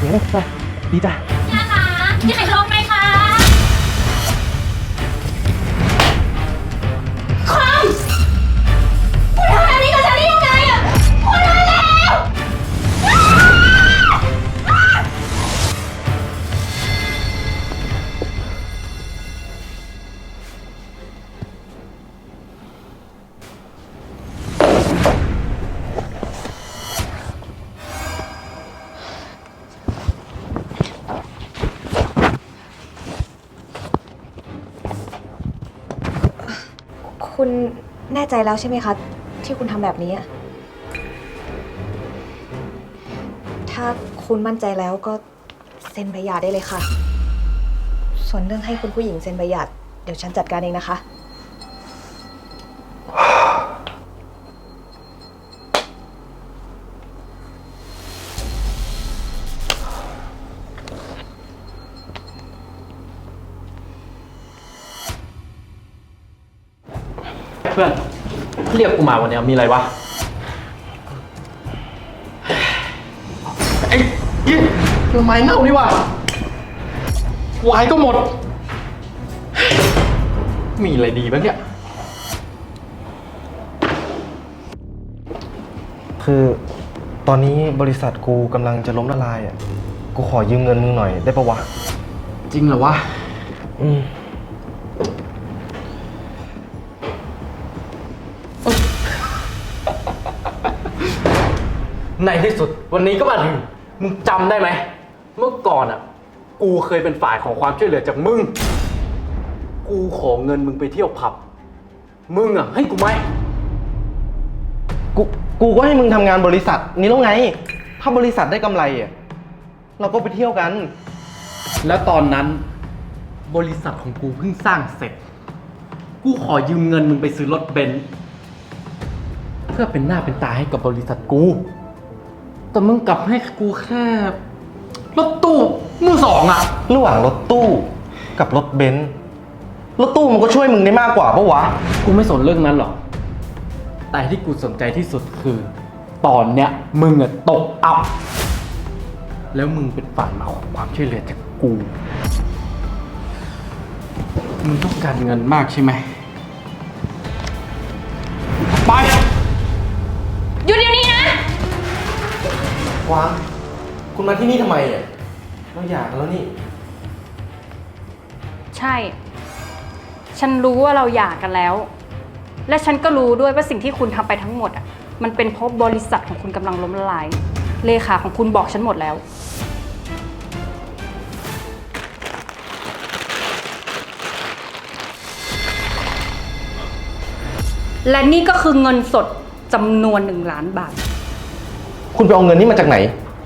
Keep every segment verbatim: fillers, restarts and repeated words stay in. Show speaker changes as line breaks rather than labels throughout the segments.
เดี๋ยวไปดีจ้ะ
ยาคะที่ไหนลงไหมคะคอมคุณทำแบบนี้กับฉันได้ยังไงอ่ะคุณทำแล้ว
คุณแน่ใจแล้วใช่ไหมคะที่คุณทำแบบนี้ ถ้าคุณมั่นใจแล้วก็เซ็นใบหย่าได้เลยค่ะ ส่วนเรื่องให้คุณผู้หญิงเซ็นใบหย่าเดี๋ยวฉันจัดการเองนะคะ
เพื่อนเรียกกูมาวันนี้มีอะไรวะไอ้ยี่เรื่องไม้เน่านี่วะวายก็หมดมีอะไรดีบ้างเนี่ย
คือตอนนี้บริษัทกูกำลังจะล้มละลายอ่ะกูขอยืมเงินมึงหน่อยได้ปะวะ
จริงเหรอวะ
อืม
ในที่สุดวันนี้ก็มาถึงมึงจำได้ไหมเมื่อก่อนอ่ะกูเคยเป็นฝ่ายของความช่วยเหลือจากมึงกูขอเงินมึงไปเที่ยวผับมึงอ่ะให้กูไหม
กูกูก็ให้มึงทำงานบริษัทนี้แล้วไงถ้าบริษัทได้กำไรอ่ะเราก็ไปเที่ยวกัน
แล้วตอนนั้นบริษัทของกูเพิ่งสร้างเสร็จกูขอยืมเงินมึงไปซื้อรถเบนซ์เพื่อเป็นหน้าเป็นตาให้กับบริษัทกูแต่มึงกลับให้กูแค่รถตู้มือสองอะ
ระหว่างรถตู้กับรถเบนซ์รถตู้มันก็ช่วยมึงได้มากกว่าปะวะ
กูไม่สนเรื่องนั้นหรอกแต่ที่กูสนใจที่สุดคือตอนเนี้ยมึงอะตกอับแล้วมึงเป็นฝ่ายมาขอความช่วยเหลือจากกูมึงต้องการเงินมากใช่ไหมไป
หยุดเดี๋ยวนี้นะ
วางคุณมาที่นี่ทำไมอ่ะเราอยากกันแล้วนี่
ใช่ ฉันรู้ว่าเราหย่ากันแล้วและฉันก็รู้ด้วยว่าสิ่งที่คุณทำไปทั้งหมดอ่ะมันเป็นเพราะบริษัทของคุณกำลังล้มละลายเลขาของคุณบอกฉันหมดแล้วและนี่ก็คือเงินสดจำนวนหนึ่งล้านบาท
คุณไปเอาเงินนี้มาจากไหน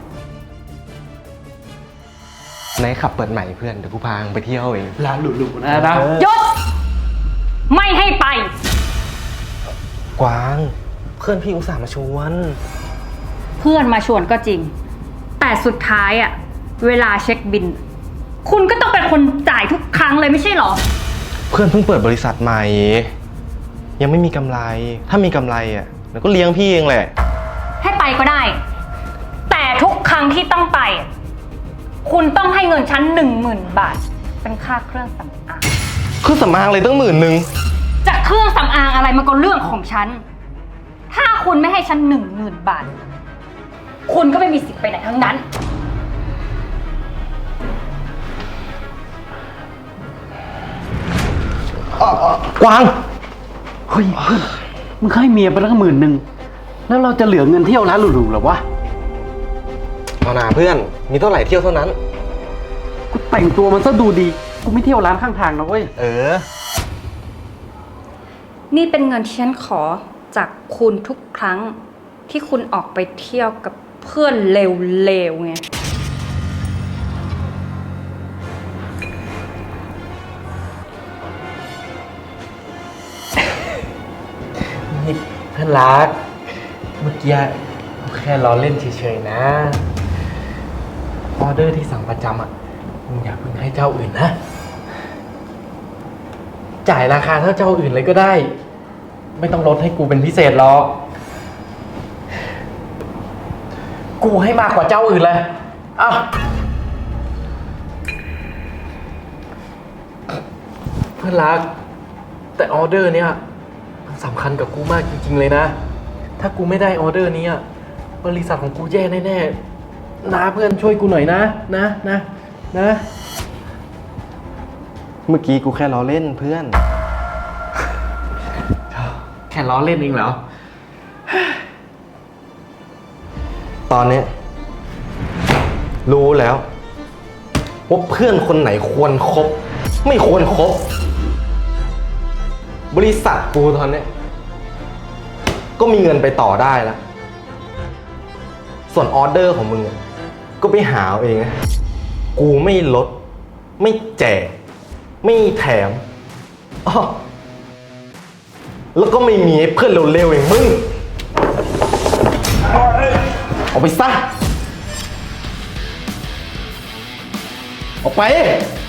ไหนขับเปิดใหม่เพื่อนเดี๋ยวกูพาไปเที่ยวเอง
ร้านหรูๆนะนะ
หยุดไม่ให้ไป
กวางเพื่อนพี่อุตส่าห์มาชวน
เพื่อนมาชวนก็จริงแต่สุดท้ายอะเวลาเช็คบินคุณก็ต้องเป็นคนจ่ายทุกครั้งเลยไม่ใช่หรอ
เพื่อนเพิ่งเปิดบริษัทใหม่ยังไม่มีกำไรถ้ามีกำไรอ่ะเดี๋ยวก็เลี้ยงพี่เองแหละ
ให้ไปก็ได้แต่ทุกครั้งที่ต้องไปคุณต้องให้เงินฉันหนึ่งหมื่นบาทเป็นค่าเครื่องสำอาง
เครื่องสำอางเลยตั้งหมื่นหนึ่ง
จะเครื่องสำอางอะไรมันก็เรื่องของฉันถ้าคุณไม่ให้ฉันหนึ่งหมื่นบาทคุณก็ไม่มีสิทธิ์ไปไหนทั้งนั้น
กวาง
เฮ้ยเพื่อนมึงให้เมียไปแล้วหมื่นหนึ่งแล้วเราจะเหลือเงินเที่ยวร้านหรูๆหรอวะ
เอาหน่าเพื่อนมีเท่าไหร่เที่ยวเท่านั้น
กูแต่งตัวมันซะดูดีกูไม่เที่ยวร้านข้างทางนะเว้ย
เออ
นี่เป็นเงินที่ฉันขอจากคุณทุกครั้งที่คุณออกไปเที่ยวกับเพื่อนเลวๆไง
นี่เพื่อนรักเมื่อกี้แค่ล้อเล่นเฉยๆนะออเดอร์ที่สั่งประจำอ่ะมึงอย่าเพิ่งให้เจ้าอื่นนะจ่ายราคาเท่าเจ้าอื่นเลยก็ได้ไม่ต้องลดให้กูเป็นพิเศษหรอกกูให้มากกว่าเจ้าอื่นเลยอ้าวเพื่อนรัก แต่ออเดอร์เนี้ยมันสำคัญกับกูมากจริงๆเลยนะ ถ้ากูไม่ได้ออเดอร์นี้อะบริษัทของกูแย่แน่ๆนะเพื่อนช่วยกูหน่อยนะ นะ นะ นะ
เมื่อกี้กูแค่ล้อเล่นเพื่อน
แค่ล้อเล่นเองเหรอ
ตอนเนี้ยรู้แล้วว่าเพื่อนคนไหนควรครบ ไม่ควรครบบริษัทกูตอนเนี้ยก็มีเงินไปต่อได้แล้ว ส่วนออเดอร์ของมึงอะก็ไปหาเอาเองนะกูไม่ลด ไม่แจก ไม่แถมอ้อแล้วก็ไม่มีให้เพื่อนเร็วๆอย่างมึงออกไปซะออกไป